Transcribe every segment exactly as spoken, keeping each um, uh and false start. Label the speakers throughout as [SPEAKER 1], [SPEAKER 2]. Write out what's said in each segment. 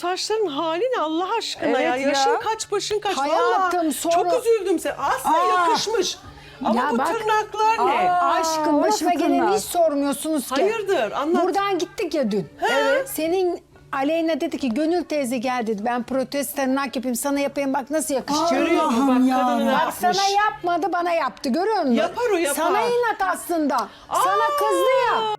[SPEAKER 1] saçların hali ne Allah aşkına
[SPEAKER 2] Evet
[SPEAKER 1] ya.
[SPEAKER 2] ya.
[SPEAKER 1] Yaşın kaç, başın kaç.
[SPEAKER 3] Hayatım,
[SPEAKER 1] Vallahi
[SPEAKER 3] sonra-
[SPEAKER 1] çok üzüldüm sen. Aslında
[SPEAKER 3] Aa.
[SPEAKER 1] yakışmış. Ama
[SPEAKER 3] Ya
[SPEAKER 1] bu
[SPEAKER 3] bak-
[SPEAKER 1] tırnaklar ne?
[SPEAKER 2] Aa.
[SPEAKER 3] Aşkım
[SPEAKER 2] o
[SPEAKER 3] başıma
[SPEAKER 2] nasıl
[SPEAKER 3] geleni
[SPEAKER 2] tırnak?
[SPEAKER 3] hiç sormuyorsunuz ki.
[SPEAKER 1] Hayırdır, anlat.
[SPEAKER 3] Buradan gittik ya dün.
[SPEAKER 1] Evet.
[SPEAKER 3] Senin Aleyna dedi ki Gönül teyze gel dedi. Ben protez tırnak yapayım sana yapayım bak nasıl yakışacak.
[SPEAKER 1] Görüyor musun bak
[SPEAKER 4] Allah'ım ya.
[SPEAKER 1] kadını ne
[SPEAKER 3] Bak
[SPEAKER 1] yapmış.
[SPEAKER 3] sana yapmadı bana yaptı görüyor musun?
[SPEAKER 1] Yapar o, yapar.
[SPEAKER 3] Sana inat aslında. Sana kızdı ya.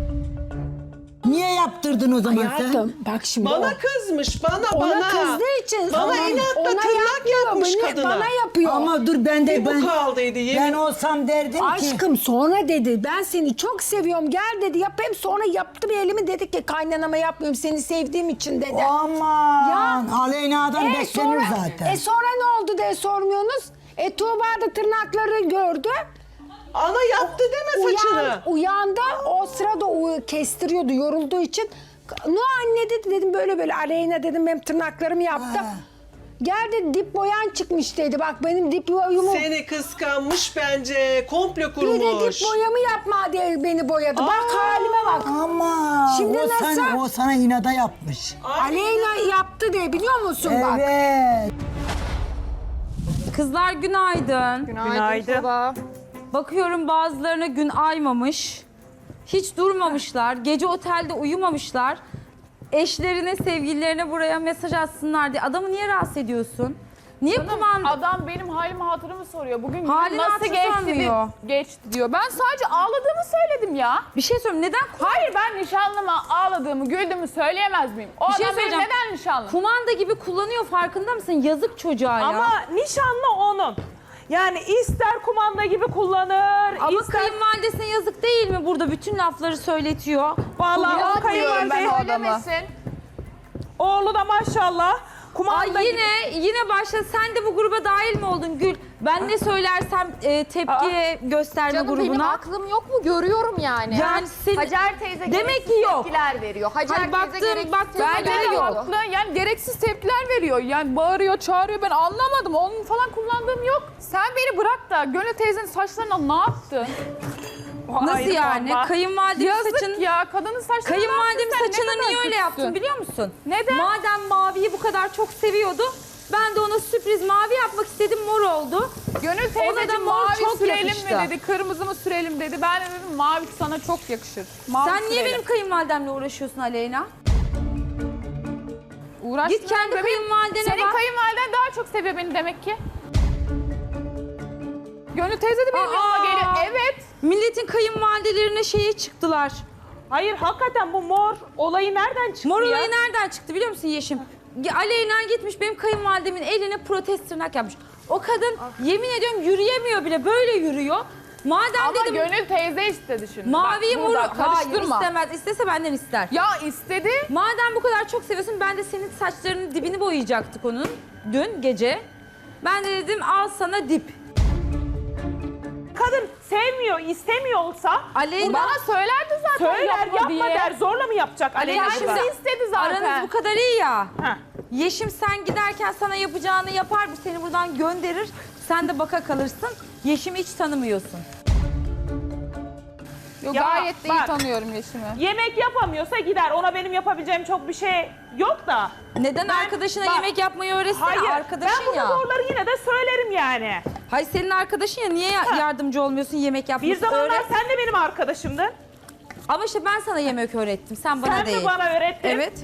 [SPEAKER 4] Niye yaptırdın o zaman sen?
[SPEAKER 3] Hayatım bak şimdi
[SPEAKER 1] Bana
[SPEAKER 3] o-
[SPEAKER 1] kızmış, bana
[SPEAKER 3] ona
[SPEAKER 1] bana.
[SPEAKER 3] kızdığı için
[SPEAKER 1] Bana
[SPEAKER 3] ona-
[SPEAKER 1] inatla
[SPEAKER 3] ona
[SPEAKER 1] tırnak
[SPEAKER 3] yapmıyor,
[SPEAKER 1] yapmış
[SPEAKER 3] beni-
[SPEAKER 1] kadına.
[SPEAKER 3] Bana yapıyor.
[SPEAKER 4] Ama dur ben de
[SPEAKER 1] Bir bu
[SPEAKER 4] ben,
[SPEAKER 1] kaldıydı, yemin-
[SPEAKER 4] ben olsam derdim ki.
[SPEAKER 3] Aşkım sonra dedi ben seni çok seviyorum gel dedi yapayım sonra yaptı bir elimi dedi ki kaynanama yapmıyorum seni sevdiğim için dedi.
[SPEAKER 4] Aman.
[SPEAKER 3] Ya.
[SPEAKER 4] Aleyna'dan
[SPEAKER 3] E
[SPEAKER 4] beklenir
[SPEAKER 3] sonra,
[SPEAKER 4] zaten.
[SPEAKER 3] E sonra ne oldu diye sormuyorsunuz. E Tuğba da tırnakları gördü.
[SPEAKER 1] Ana yaptı deme saçını.
[SPEAKER 3] Uyan, uyandı o sırada o kestiriyordu yorulduğu için. No anne dedi dedim böyle böyle Aleyna dedim benim tırnaklarımı yaptı.
[SPEAKER 4] Ha.
[SPEAKER 3] Gel dedi dip boyan çıkmış dedi. Bak benim dip boyumu
[SPEAKER 1] Seni kıskanmış bence. Komplo
[SPEAKER 3] bir de
[SPEAKER 1] kurmuş.
[SPEAKER 3] dip boyamı yapma diye beni boyadı. Bak
[SPEAKER 1] Aa.
[SPEAKER 3] halime bak.
[SPEAKER 4] Ama
[SPEAKER 3] Şimdi
[SPEAKER 4] o,
[SPEAKER 3] nasıl?
[SPEAKER 4] Sana, o sana inada yapmış.
[SPEAKER 3] Aleyna yaptı diye biliyor musun bak.
[SPEAKER 4] Evet.
[SPEAKER 5] Kızlar günaydın.
[SPEAKER 2] Günaydın.
[SPEAKER 5] Bakıyorum bazılarına gün aymamış. Hiç durmamışlar. Gece otelde uyumamışlar. Eşlerine, sevgililerine buraya mesaj atsınlar diye. Adamı niye rahatsız ediyorsun? Niye kumanda?
[SPEAKER 6] Adam benim halimi hatırımı soruyor. Bugün günüm
[SPEAKER 5] Halini
[SPEAKER 6] nasıl
[SPEAKER 5] hatırı
[SPEAKER 6] geçti,
[SPEAKER 5] sormuyor.
[SPEAKER 6] di- geçti diyor. Ben sadece ağladığımı söyledim ya.
[SPEAKER 5] Bir şey söyleyeyim. Neden?
[SPEAKER 6] Hayır ben nişanlıma ağladığımı, güldüğümü söyleyemez miyim? O
[SPEAKER 5] Bir şey
[SPEAKER 6] adam benim
[SPEAKER 5] söyleyeceğim.
[SPEAKER 6] neden nişanlım?
[SPEAKER 5] Kumanda gibi kullanıyor farkında mısın? Yazık çocuğa ya.
[SPEAKER 2] Ama nişanlı onun. Yani ister kumanda gibi kullanır,
[SPEAKER 5] Ama
[SPEAKER 2] ister...
[SPEAKER 5] kayınvalidesine yazık değil mi burada bütün lafları söyletiyor?
[SPEAKER 2] Vallahi o
[SPEAKER 6] Diyorum ben
[SPEAKER 2] kayınvalide,
[SPEAKER 6] o adamı.
[SPEAKER 2] oğlu da maşallah kumanda
[SPEAKER 5] Ay
[SPEAKER 2] gibi.
[SPEAKER 5] yine yine başladı. Sen de bu gruba dahil mi oldun Gül? Ben ne söylersem e, tepki gösterme
[SPEAKER 7] Canım
[SPEAKER 5] grubuna.
[SPEAKER 7] benim aklım yok mu? Görüyorum yani.
[SPEAKER 5] Yani senin-
[SPEAKER 7] Hacer teyze
[SPEAKER 5] Demek
[SPEAKER 7] gereksiz
[SPEAKER 5] ki yok.
[SPEAKER 7] tepkiler veriyor. Hacer
[SPEAKER 5] Hani baktım,
[SPEAKER 7] teyze gereksiz
[SPEAKER 5] baktım,
[SPEAKER 7] tepkiler
[SPEAKER 5] bence de
[SPEAKER 7] veriyor.
[SPEAKER 5] yok.
[SPEAKER 6] Haklı, yani gereksiz tepkiler veriyor. Yani bağırıyor, çağırıyor. Ben anlamadım. Onun falan kullandığım yok. Sen beni bırak da Gönül teyzenin saçlarına ne yaptın?
[SPEAKER 5] Nasıl
[SPEAKER 2] Ayrı
[SPEAKER 5] yani?
[SPEAKER 2] vallahi.
[SPEAKER 5] Kayınvalidemin
[SPEAKER 6] Yazık
[SPEAKER 5] saçını...
[SPEAKER 6] ya. Kadının saçlarına
[SPEAKER 5] Kayınvalidemin
[SPEAKER 6] ne yaptın sen? Ne
[SPEAKER 5] saçını
[SPEAKER 6] kadar
[SPEAKER 5] niye öyle
[SPEAKER 6] kötüsün.
[SPEAKER 5] yaptın biliyor musun?
[SPEAKER 6] Neden?
[SPEAKER 5] Madem maviyi bu kadar çok seviyordu, ben de ona sürpriz mavi yapmak istedim, mor oldu.
[SPEAKER 6] Gönül
[SPEAKER 5] Ona da
[SPEAKER 6] teyzeciğim
[SPEAKER 5] mor
[SPEAKER 6] mavi
[SPEAKER 5] çok
[SPEAKER 6] sürelim
[SPEAKER 5] yakıştı.
[SPEAKER 6] mi dedi, kırmızı mı sürelim dedi. Ben de dedim mavi sana çok yakışır. Mavi
[SPEAKER 5] Sen niye
[SPEAKER 6] sürelim.
[SPEAKER 5] benim kayınvalidemle uğraşıyorsun Aleyna?
[SPEAKER 6] Uğraşmıyorum
[SPEAKER 5] Git kendi
[SPEAKER 6] bebeğim.
[SPEAKER 5] kayınvalidene
[SPEAKER 6] Senin
[SPEAKER 5] bak.
[SPEAKER 6] kayınvaliden daha çok seviyor beni demek ki. Gönül teyze de benim
[SPEAKER 5] Aa!
[SPEAKER 6] yanıma geliyor. Evet.
[SPEAKER 5] Milletin kayınvalidelerine şeye çıktılar.
[SPEAKER 2] Hayır hakikaten bu mor olayı nereden çıktı
[SPEAKER 5] Mor
[SPEAKER 2] ya?
[SPEAKER 5] olayı nereden çıktı biliyor musun Yeşim? Aleyna gitmiş benim kayınvalidemin eline protez tırnak yapmış. O kadın yemin ediyorum yürüyemiyor bile, böyle yürüyor. Madem
[SPEAKER 6] Ama
[SPEAKER 5] dedim
[SPEAKER 6] Gönül teyze istedi şimdi.
[SPEAKER 5] maviyi
[SPEAKER 6] Bak,
[SPEAKER 5] moru...
[SPEAKER 6] burada
[SPEAKER 5] Hayır
[SPEAKER 6] karıştırma.
[SPEAKER 5] istemez. İstese benden ister.
[SPEAKER 6] Ya istedi.
[SPEAKER 5] Madem bu kadar çok seviyorsun, ben de senin saçlarının dibini boyayacaktık onun dün gece. Ben de dedim al sana dip.
[SPEAKER 2] Kadın sevmiyor, istemiyor olsa
[SPEAKER 5] Aleyna,
[SPEAKER 6] Bana söylerdi zaten
[SPEAKER 2] söyler
[SPEAKER 6] yapma,
[SPEAKER 2] yapma
[SPEAKER 6] diye.
[SPEAKER 2] der, zorla mı yapacak Aleyna
[SPEAKER 5] Aleyna
[SPEAKER 2] burada?
[SPEAKER 5] şimdi
[SPEAKER 6] istedi zaten.
[SPEAKER 5] aranız bu kadar iyi ya.
[SPEAKER 2] Ha.
[SPEAKER 5] Yeşim sen giderken sana yapacağını yapar, bu seni buradan gönderir. Sen de baka kalırsın. Yeşim'i hiç tanımıyorsun.
[SPEAKER 6] Yo,
[SPEAKER 2] Ya,
[SPEAKER 6] gayet de iyi
[SPEAKER 2] bak.
[SPEAKER 6] tanıyorum Yeşim'i.
[SPEAKER 2] Yemek yapamıyorsa gider. Ona benim yapabileceğim çok bir şey yok da.
[SPEAKER 5] Neden
[SPEAKER 2] Ben-
[SPEAKER 5] arkadaşına
[SPEAKER 2] bak,
[SPEAKER 5] yemek yapmayı öğretsene?
[SPEAKER 2] Hayır,
[SPEAKER 5] Arkadaşın
[SPEAKER 2] ben bu
[SPEAKER 5] ya.
[SPEAKER 2] doğruları yine de söylerim yani.
[SPEAKER 5] Hayır senin arkadaşın ya, niye ya- yardımcı olmuyorsun yemek yapmasına?
[SPEAKER 2] Bir zamanlar
[SPEAKER 5] Öğret.
[SPEAKER 2] sen de benim arkadaşımdın.
[SPEAKER 5] Ama işte ben sana yemek öğrettim, sen bana
[SPEAKER 2] Sen
[SPEAKER 5] değil.
[SPEAKER 2] mi bana öğrettin?
[SPEAKER 5] Evet.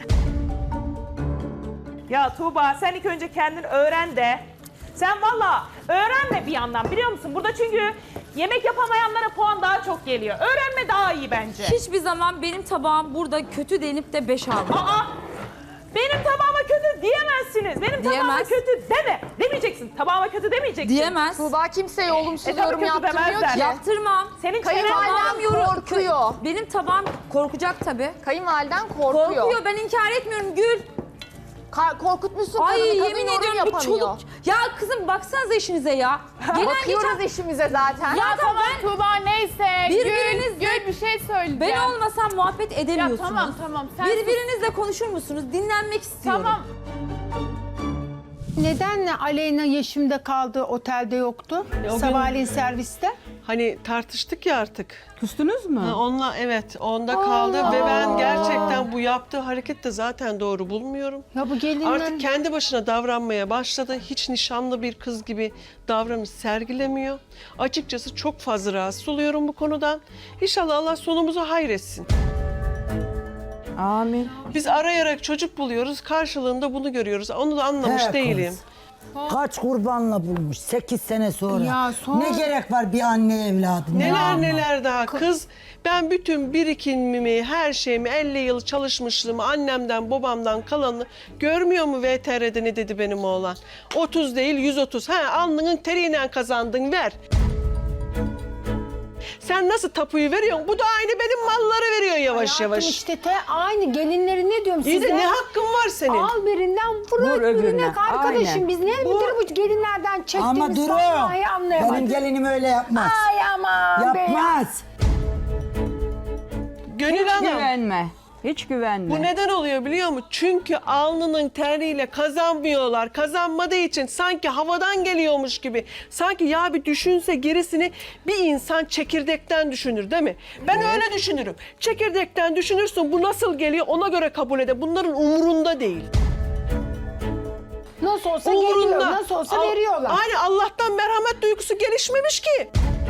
[SPEAKER 2] Ya Tuğba sen ilk önce kendin öğren de. Sen valla öğrenme bir yandan biliyor musun? Burada çünkü yemek yapamayanlara puan daha çok geliyor. Öğrenme daha iyi bence.
[SPEAKER 5] Hiçbir zaman benim tabağım burada kötü denip de beş aldım.
[SPEAKER 2] Aa! Benim tabağıma kötü diyemezsiniz. Benim tabağıma
[SPEAKER 5] Diyemez.
[SPEAKER 2] kötü deme. Demeyeceksin. Tabağıma kötü demeyeceksin.
[SPEAKER 5] Diyemez.
[SPEAKER 7] Tuğba kimseye olumsuz
[SPEAKER 2] E, tabii
[SPEAKER 7] yorum
[SPEAKER 2] kötü
[SPEAKER 7] yaptırmıyor
[SPEAKER 2] demezler.
[SPEAKER 7] ki.
[SPEAKER 5] Yaptırmam.
[SPEAKER 2] Senin
[SPEAKER 7] Kayınvaliden
[SPEAKER 2] çenen
[SPEAKER 5] Tabağım yoru-
[SPEAKER 7] korkuyor.
[SPEAKER 5] Kö- Benim tabağım korkacak tabii.
[SPEAKER 7] Kayınvaliden korkuyor.
[SPEAKER 5] Korkuyor, ben inkar etmiyorum Gül.
[SPEAKER 7] Ka- korkutmuşsun
[SPEAKER 5] Ay
[SPEAKER 7] kadını, kadın
[SPEAKER 5] yemin
[SPEAKER 7] yorum
[SPEAKER 5] ediyorum bu
[SPEAKER 7] yapamıyor.
[SPEAKER 5] çoluk. Ya kızım baksanıza işinize ya. Gelen
[SPEAKER 7] Bakıyoruz
[SPEAKER 5] geçen...
[SPEAKER 7] işimize zaten.
[SPEAKER 5] Ya
[SPEAKER 6] Tamam
[SPEAKER 5] ben
[SPEAKER 6] Tuğba neyse.
[SPEAKER 5] Birbirinizle-
[SPEAKER 6] Gül, Gül bir şey söyleyeceğim.
[SPEAKER 5] ben olmasam muhabbet edemiyorsunuz.
[SPEAKER 6] Ya tamam tamam. Sen
[SPEAKER 5] Birbirinizle konuşur musunuz? Dinlenmek istiyorum.
[SPEAKER 6] Tamam.
[SPEAKER 3] Nedenle Aleyna Yeşim'de kaldı otelde yoktu? Sabahleyin serviste.
[SPEAKER 1] Hani tartıştık ya artık.
[SPEAKER 8] Küstünüz mü?
[SPEAKER 1] Ha, onunla evet onda kaldı ve ben gerçekten bu yaptığı hareket de zaten doğru bulmuyorum.
[SPEAKER 3] Ya bu gelinler...
[SPEAKER 1] Artık kendi başına davranmaya başladı. Hiç nişanlı bir kız gibi davranış sergilemiyor. Açıkçası çok fazla rahatsız oluyorum bu konudan. İnşallah Allah sonumuzu hayretsin.
[SPEAKER 8] Amin.
[SPEAKER 1] Biz arayarak çocuk buluyoruz, karşılığında bunu görüyoruz. Onu da anlamış
[SPEAKER 4] He kız.
[SPEAKER 1] değilim.
[SPEAKER 4] Kaç kurbanla bulmuş sekiz sene sonra.
[SPEAKER 3] Ya sonra-
[SPEAKER 4] Ne gerek var bir anne evladı? ne
[SPEAKER 1] Neler
[SPEAKER 4] anla?
[SPEAKER 1] neler daha. Kız ben bütün birikimimi, her şeyimi, elli yıl çalışmışlığımı, annemden babamdan kalanını görmüyor mu V T R'de ne dedi benim oğlan? otuz değil yüz otuz. Ha alnının teriyle kazandın ver. Sen nasıl tapuyu veriyorsun? Bu da aynı benim malları veriyor yavaş
[SPEAKER 3] Hayatım
[SPEAKER 1] yavaş.
[SPEAKER 3] işte te aynı gelinleri ne diyorum
[SPEAKER 1] İyi
[SPEAKER 3] size?
[SPEAKER 1] de ne hakkın var senin?
[SPEAKER 3] Al birinden vur,
[SPEAKER 8] Vur
[SPEAKER 3] öbürüne.
[SPEAKER 8] öbürüne.
[SPEAKER 3] Arkadaşım
[SPEAKER 8] Aynen.
[SPEAKER 3] biz ne
[SPEAKER 1] Bu-
[SPEAKER 3] bu... bu gelinlerden çektiğimiz
[SPEAKER 4] Ama Duru,
[SPEAKER 3] vallahi anlayamadım.
[SPEAKER 4] benim gelinim öyle yapmaz.
[SPEAKER 3] Ay aman be.
[SPEAKER 4] Yapmaz.
[SPEAKER 1] Gönül Hanım.
[SPEAKER 8] Güvenme. Hiç güvenme.
[SPEAKER 1] Bu neden oluyor biliyor musun? Çünkü alnının teriyle kazanmıyorlar. Kazanmadığı için sanki havadan geliyormuş gibi. Sanki ya bir düşünse gerisini bir insan çekirdekten düşünür değil mi? Ben öyle düşünürüm. Çekirdekten düşünürsün bu nasıl geliyor ona göre kabul eder. Bunların umurunda değil.
[SPEAKER 3] Nasıl olsa geliyor, nasıl olsa
[SPEAKER 1] Al-
[SPEAKER 3] veriyorlar.
[SPEAKER 1] Aynen Allah'tan merhamet duygusu gelişmemiş ki.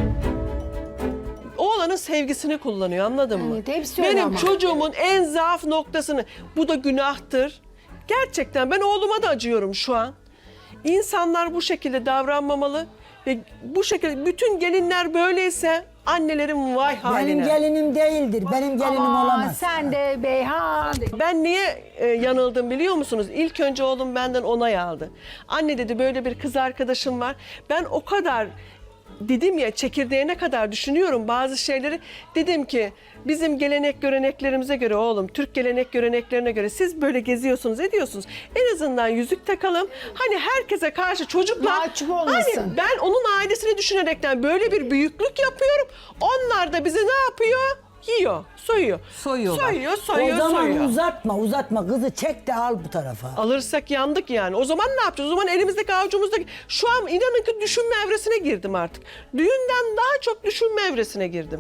[SPEAKER 1] Oğlanın sevgisini kullanıyor anladın mı?
[SPEAKER 3] Evet, hepsi öyle
[SPEAKER 1] Benim
[SPEAKER 3] ama.
[SPEAKER 1] çocuğumun en zaaf noktasını, bu da günahtır. Gerçekten ben oğluma da acıyorum şu an. İnsanlar bu şekilde davranmamalı ve bu şekilde bütün gelinler böyleyse annelerin vay haline.
[SPEAKER 4] Benim gelinim değildir. Benim gelinim
[SPEAKER 3] Aman
[SPEAKER 4] olamaz.
[SPEAKER 3] sen de Beyhan.
[SPEAKER 1] Ben niye e, yanıldım biliyor musunuz? İlk önce oğlum benden onay aldı. Anne dedi böyle bir kız arkadaşım var. Ben o kadar dedim ya çekirdeğine kadar düşünüyorum bazı şeyleri. Dedim ki bizim gelenek göreneklerimize göre oğlum, Türk gelenek göreneklerine göre siz böyle geziyorsunuz ediyorsunuz. En azından yüzük takalım. Hani herkese karşı çocuklar...
[SPEAKER 3] Mahcup olmasın.
[SPEAKER 1] Hani ben onun ailesini düşünerekten böyle bir büyüklük yapıyorum. Onlar da bizi ne yapıyor? Yiyor, soyuyor.
[SPEAKER 8] Soyuyorlar.
[SPEAKER 1] Soyuyor, soyuyor,
[SPEAKER 4] O zaman
[SPEAKER 1] soyuyor.
[SPEAKER 4] uzatma uzatma kızı çek de al bu tarafa.
[SPEAKER 1] Alırsak yandık yani. O zaman ne yapacağız? O zaman elimizdeki avucumuzdaki... Şu an inanın ki düşünme evresine girdim artık. Düğünden daha çok düşünme evresine girdim.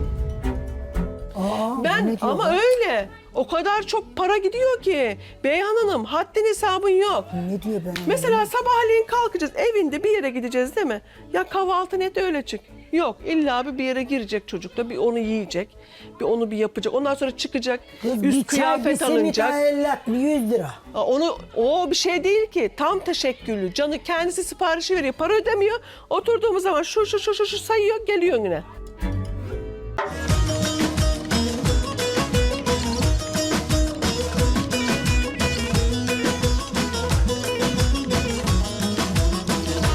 [SPEAKER 4] Aa,
[SPEAKER 1] Ben
[SPEAKER 4] ne diyor
[SPEAKER 1] ama
[SPEAKER 4] lan?
[SPEAKER 1] öyle. O kadar çok para gidiyor ki. Beyhan Hanım haddin hesabın yok.
[SPEAKER 4] Ne diyor ben?
[SPEAKER 1] Mesela sabahleyin kalkacağız. Evinde bir yere gideceğiz değil mi? Ya kahvaltı net öyle çık. Yok illa bir bir yere girecek çocuk da bir onu yiyecek. Bir onu bir yapacak. Ondan sonra çıkacak.
[SPEAKER 4] Kız bir
[SPEAKER 1] üst
[SPEAKER 4] çay bir
[SPEAKER 1] kıyafet
[SPEAKER 4] simit
[SPEAKER 1] alınacak.
[SPEAKER 4] elli yüz lira.
[SPEAKER 1] Aa, Onu o bir şey değil ki. Tam teşekküllü. Canı kendisi siparişi veriyor. Para ödemiyor. Oturduğumuz zaman şu şu şu şu, şu sayıyor geliyor yine.